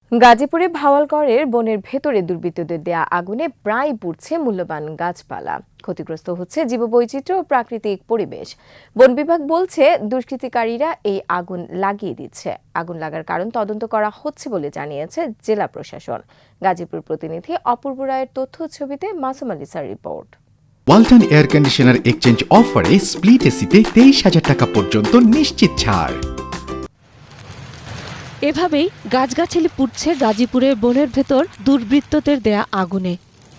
গাজীপুরে ভাওয়ালগড়ের বনের ভেতরে দুর্বৃত্তদের দেয়া আগুনে প্রায় পুড়ছে মূল্যবান গাছপালা। ক্ষতিগ্রস্ত হচ্ছে জীববৈচিত্র্য ও প্রাকৃতিক পরিবেশ। বন বিভাগ বলছে দুষ্কৃতিকারীরা এই আগুন লাগিয়ে দিচ্ছে। আগুন লাগার কারণ তদন্ত করা হচ্ছে বলে জানিয়েছে জেলা প্রশাসন। গাজীপুর প্রতিনিধি অপূর্ব রায়ের তথ্য ছবিতে মাসুম আলিসার report. Walton air conditioner exchange অফারে স্প্লিট এসিতে 23,000 টাকা পর্যন্ত নিশ্চিত ছাড়। এভাবেই গাছগাছালি পুড়ছে গাজীপুরের বনের ভেতর দুর্বৃত্তদের দেয়া আগুনে।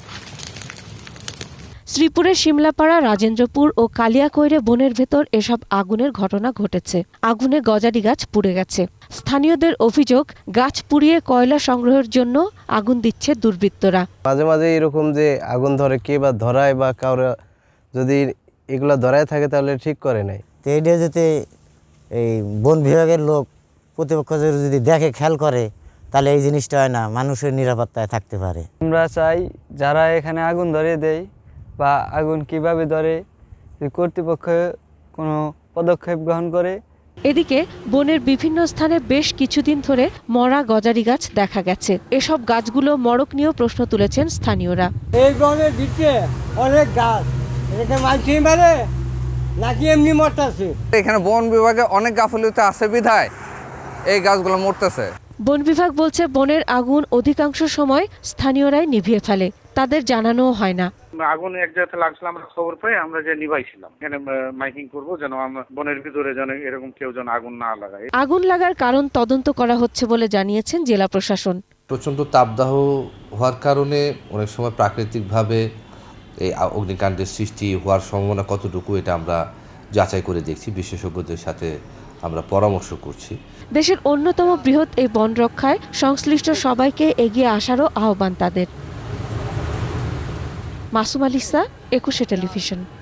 শ্রীপুরের শিমলাপাড়া, রাজেন্দ্রপুর ও কালিয়াকৈরে বনের ভেতর এসব আগুনের ঘটনা ঘটেছে। আগুনে গজারি গাছ পুড়ে গেছে। স্থানীয়দের অভিযোগ, গাছ পুড়িয়ে কয়লা সংগ্রহের জন্য আগুন দিচ্ছে দুর্বৃত্তরা। মাঝে মাঝে এরকম যে আগুন ধরে কে বা ধরায় বা কারো যদি এগুলা ধরায় থাকে তাহলে ঠিক করে নাই। তো এটা যদি এই বন বিভাগের লোক প্রতিপক্ষ যদি দেখে খেয়াল করে তাহলে এই জিনিসটা হয় না, মানুষের নিরাপত্তায় থাকতে পারে। আমরা চাই যারা এখানে আগুন ধরিয়ে দেয় বা আগুন কিভাবে ধরে কর্তৃপক্ষ কোনো পদক্ষেপ গ্রহণ করে। এদিকে বনের বিভিন্ন স্থানে বেশ কিছুদিন ধরে মরা গজারি গাছ দেখা গেছে। এসব গাছগুলো মড়ক নিয়েও প্রশ্ন তুলেছেন স্থানীয়রা। এই বনের ভিতরে অনেক গাছ, এটাকে মাঝে মেরে নাকি এমনি মরতেছে। এখানে বন বিভাগে অনেক গাফিলতি আছে বিধায় এই গাছগুলো মরতেছে। বন বিভাগ বলছে বনের আগুন অধিকাংশ সময় স্থানীয়রাই নিভিয়ে ফেলে, তাদের জানানোও হয় না। আগুন এক জায়গাতে লাগছিল, আমরা খবর পাই, আমরা যে নিভাইছিলাম। এখানে মাইকিং করবো যেন আমরা বনের ভিতরে যেন এরকম কেউ যেন আগুন না লাগায়। আগুন লাগার কারণ তদন্ত করা হচ্ছে বলে জানিয়েছেন জেলা প্রশাসন। প্রচণ্ড তাপদাহ হওয়ার কারণে অনেক সময় প্রাকৃতিকভাবে এই অগ্নিকাণ্ডের সৃষ্টি হওয়ার সম্ভাবনা কতটুকু এটা আমরা যাচাই করে দেখছি, বিশেষজ্ঞদের সাথে আমরা পরামর্শ করছি। দেশের অন্যতম বৃহৎ এই বন রক্ষায় সংশ্লিষ্ট সবাইকে এগিয়ে আসারও আহ্বান তাদের। মাসুম আলিসা, 21 টেলিভিশন।